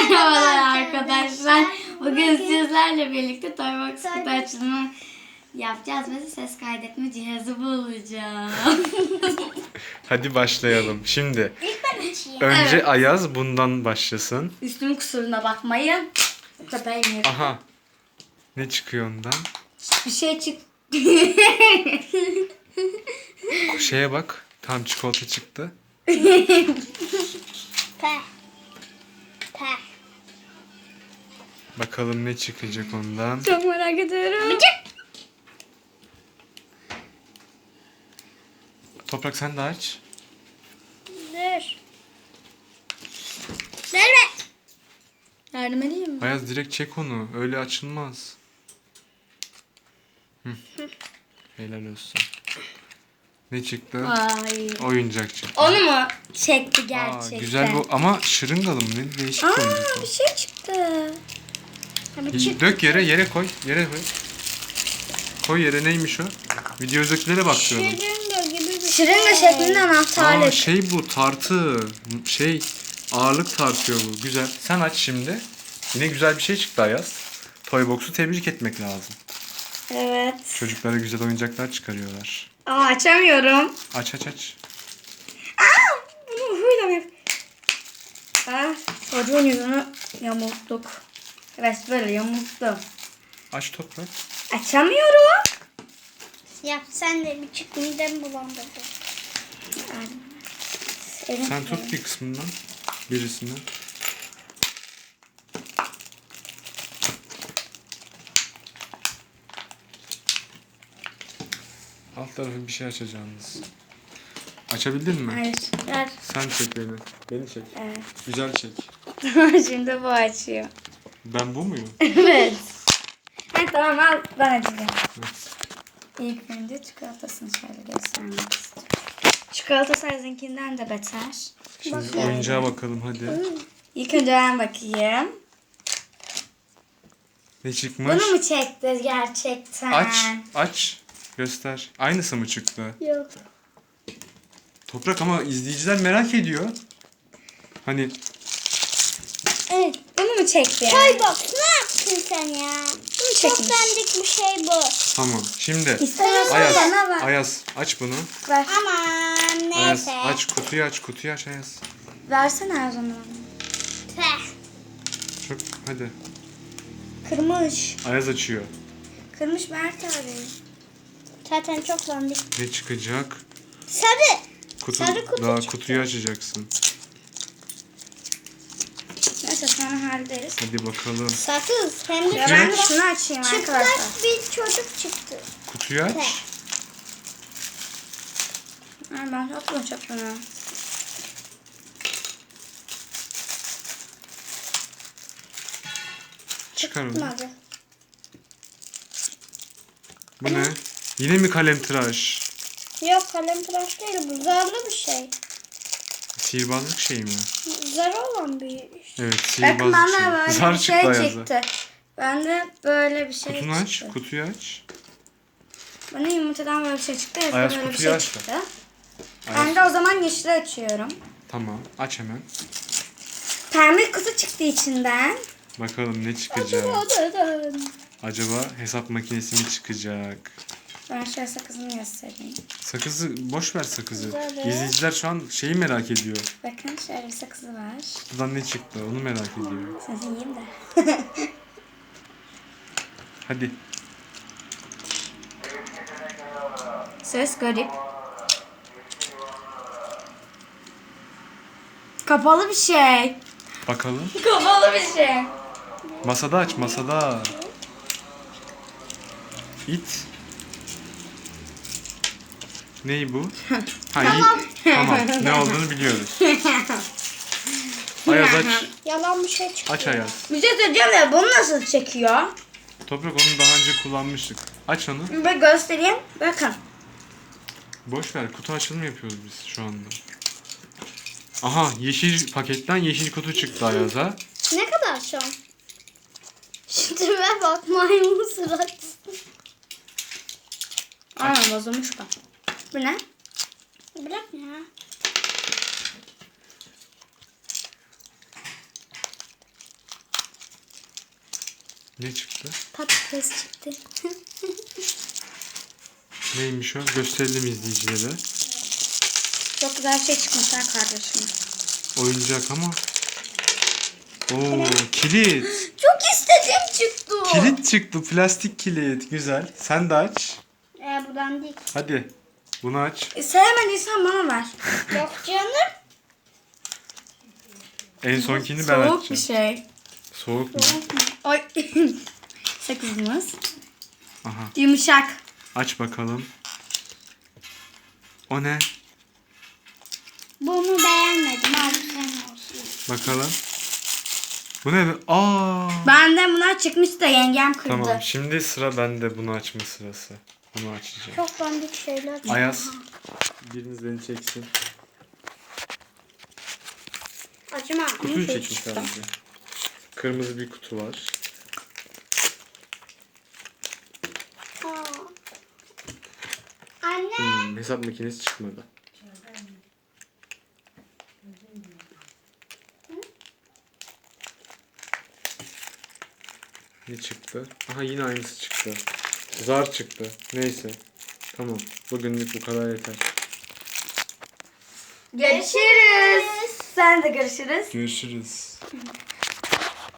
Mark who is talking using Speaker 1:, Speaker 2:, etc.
Speaker 1: Merhabalar arkadaşlar. Bugün sizlerle birlikte Toybox kutu açılımı yapacağız ve ses kaydetme cihazı bulacağım.
Speaker 2: Hadi başlayalım. Şimdi
Speaker 3: İlk ben açayım.
Speaker 2: önce
Speaker 1: Evet.
Speaker 2: Ayaz bundan başlasın.
Speaker 1: Üstümün kusuruna bakmayın. Köpeğim.
Speaker 2: Aha. Ne çıkıyor ondan?
Speaker 1: Bir şey çık.
Speaker 2: Şeye bak. Tam çikolata çıktı.
Speaker 3: Peh. Peh.
Speaker 2: Bakalım ne çıkacak ondan.
Speaker 1: Çok merak ediyorum.
Speaker 2: Toprak sen de aç.
Speaker 3: Dur. Verme.
Speaker 1: Yardım edeyim mi?
Speaker 2: Ayaz direkt çek onu. Öyle açılmaz. Hı. Helal olsun. Ne çıktı?
Speaker 1: Ay.
Speaker 2: Oyuncak çıktı.
Speaker 1: Onu mu çekti
Speaker 2: Aa,
Speaker 1: gerçekten?
Speaker 2: güzel bu ama şırıngalı mı? Ne değişik oyuncak
Speaker 1: Bir
Speaker 2: o.
Speaker 1: şey çıktı.
Speaker 2: Dök yere koy. Yere koy. Koy yere, neymiş o? Videodakilere bakıyorum.
Speaker 3: Şırınga gibi bir
Speaker 1: Şırınga şeklinde anahtarlık.
Speaker 2: Aa, şey bu tartı. Ağırlık tartıyor bu. Güzel. Sen aç şimdi. Yine güzel bir şey çıktı Ayaz. Toybox'u tebrik etmek lazım.
Speaker 1: Evet.
Speaker 2: Çocuklara güzel oyuncaklar çıkarıyorlar.
Speaker 1: Aa, açamıyorum.
Speaker 2: Aç.
Speaker 1: Bunu huyla mı yap? Çocuğun yüzünü yamulttuk. Evet, böyle yamulttum.
Speaker 2: Aç Toprak.
Speaker 1: Açamıyorum.
Speaker 3: Yap sen de bir çık midem bulandırdı.
Speaker 2: Sen tut bir kısmından. Birisinden. Alt tarafı bir şey açacağınız. Açabildin mi?
Speaker 1: Hayır. Ver.
Speaker 2: Sen çek beni. Beni çek.
Speaker 1: Evet.
Speaker 2: Güzel çek.
Speaker 1: Şimdi bu açıyor.
Speaker 2: Ben bu muyum?
Speaker 1: Evet. Tamam, al, ben açacağım.
Speaker 2: Evet.
Speaker 1: İlk önce çikolatasını şöyle göstermek istiyorum. Çikolata sizinkinden de beter.
Speaker 2: Şimdi oyuncağa bakalım hadi.
Speaker 1: İlk önce ben bakayım.
Speaker 2: Ne çıkmış?
Speaker 1: Bunu mu çekti gerçekten?
Speaker 2: Aç. Göster. Aynısı mı çıktı?
Speaker 3: Yok.
Speaker 2: Toprak ama izleyiciler merak ediyor. Hani
Speaker 1: Evet. Bunu mu çekti?
Speaker 3: Toybox ne yaptın sen ya? Çok
Speaker 1: çekmiş.
Speaker 3: dandik bir şey bu.
Speaker 2: tamam. Şimdi
Speaker 1: İstiyorsan
Speaker 2: Ayaz,
Speaker 1: bana ver.
Speaker 2: Ayaz aç bunu.
Speaker 1: Ver.
Speaker 3: Aman
Speaker 2: Ayaz
Speaker 3: neyse.
Speaker 2: aç kutuyu aç Ayaz.
Speaker 1: Versene o zaman.
Speaker 3: Peh.
Speaker 2: Çok hadi.
Speaker 1: Kırmış.
Speaker 2: Ayaz açıyor.
Speaker 1: Kırmış Mert abi.
Speaker 3: Zaten çok dandik.
Speaker 2: Ne çıkacak?
Speaker 3: Sarı.
Speaker 2: Kutu,
Speaker 3: Sarı kutu
Speaker 2: daha
Speaker 3: çıktı.
Speaker 2: kutuyu açacaksın.
Speaker 1: Neyse sonra hallederiz.
Speaker 2: Hadi bakalım.
Speaker 3: Sakız. Hem de
Speaker 1: Ya ben de şunu açayım arkadaşlar.
Speaker 3: çıplak bir çocuk çıktı.
Speaker 2: Kutuyu aç.
Speaker 1: Ben atma çöpünü.
Speaker 2: Çıkar onu.
Speaker 3: Çıkmadı.
Speaker 2: Bu ne? Yine mi kalem tıraş?
Speaker 3: Yok kalem tıraş değil bu zarlı bir şey.
Speaker 2: Sihirbazlık şey mi?
Speaker 3: Zarı olan bir
Speaker 2: Evet,
Speaker 1: Bakın
Speaker 2: sihirbazlık
Speaker 1: bana böyle
Speaker 2: şey. Zar
Speaker 1: bir
Speaker 2: çıktı
Speaker 1: şey
Speaker 2: Ayaz'a.
Speaker 1: çıktı. Ben de böyle bir şey
Speaker 2: Kutunu aç,
Speaker 1: çıktı.
Speaker 2: kutuyu aç.
Speaker 1: Bana yumurtadan böyle bir şey çıktı. Yazda
Speaker 2: Ayaz
Speaker 1: böyle bir
Speaker 2: kutuyu
Speaker 1: şey
Speaker 2: aç da.
Speaker 1: çıktı.
Speaker 2: Ayaz.
Speaker 1: Ben de o zaman yeşili açıyorum.
Speaker 2: Tamam, aç hemen.
Speaker 1: Pembe kutu çıktı içinden.
Speaker 2: Bakalım ne çıkacak. Acaba hesap makinesi mi çıkacak?
Speaker 1: Ben şöyle sakızını göstereyim.
Speaker 2: Sakızı, boş ver sakızı.
Speaker 3: Güzel.
Speaker 2: İzleyiciler şu an şeyi merak ediyor.
Speaker 1: Bakın şöyle bir sakızı var.
Speaker 2: Kutudan ne çıktı onu merak ediyor.
Speaker 1: Sizi yiyeyim de.
Speaker 2: Hadi.
Speaker 1: Ses garip. Kapalı bir şey.
Speaker 2: Bakalım.
Speaker 1: Kapalı bir şey.
Speaker 2: Masada aç, masada. İt. Ney bu? Tamam. Tamam. Ne olduğunu biliyoruz. Ayaz aç.
Speaker 3: Yalan bir şey çıktı.
Speaker 2: Aç Ayaz.
Speaker 1: Bir şey söyleyeceğim de bunu nasıl çekiyor?
Speaker 2: Toprak onu daha önce kullanmıştık. Aç onu.
Speaker 1: Bir göstereyim. Bakın.
Speaker 2: Boş ver. Kutu açılımı yapıyoruz biz şu anda. Aha, yeşil paketten yeşil kutu çıktı Ayaz'a.
Speaker 3: Ne kadar şu an? Şu tipe bak maymun surat.
Speaker 1: Aynen bozulmuş bak. Bu ne?
Speaker 3: Bırak. Ya.
Speaker 2: Ne çıktı?
Speaker 3: Patates çıktı.
Speaker 2: Neymiş o? Gösterelim izleyicilere.
Speaker 3: Çok güzel şey çıkmış ha kardeşim.
Speaker 2: Oyuncak ama. Oo, kilit.
Speaker 3: Çok istediğim çıktı.
Speaker 2: Kilit çıktı. Plastik kilit. Güzel. Sen de aç.
Speaker 3: Buradan değil.
Speaker 2: Hadi. Bunu aç.
Speaker 1: Sevmediysen bana ver.
Speaker 3: Yok canım.
Speaker 2: En sonkini ben
Speaker 1: Soğuk
Speaker 2: açacağım.
Speaker 1: bir şey.
Speaker 2: Soğuk mu?
Speaker 1: Ay. Sakızımız.
Speaker 2: Aha.
Speaker 1: Yumuşak.
Speaker 2: Aç bakalım. O ne?
Speaker 3: Bunu beğenmedim. Al bu sen olsun.
Speaker 2: Bakalım. Bu ne? Aa.
Speaker 1: Benden bunlar çıkmış da yengem kırdı.
Speaker 2: Tamam. Şimdi sıra bende. Bunu açma sırası. Bunu açacağım.
Speaker 3: Çok dandik şeyler.
Speaker 2: Ayaz. Biriniz beni çeksin.
Speaker 3: Acıma.
Speaker 2: Kutuyu çekin sadece. Kırmızı bir kutu var.
Speaker 3: Anne.
Speaker 2: Hesap makinesi çıkmadı. Ne çıktı? Aha yine aynısı çıktı. Zar çıktı. Neyse. Tamam. Bugünlük bu kadar yeter.
Speaker 1: Görüşürüz. Sen de görüşürüz.
Speaker 2: Görüşürüz.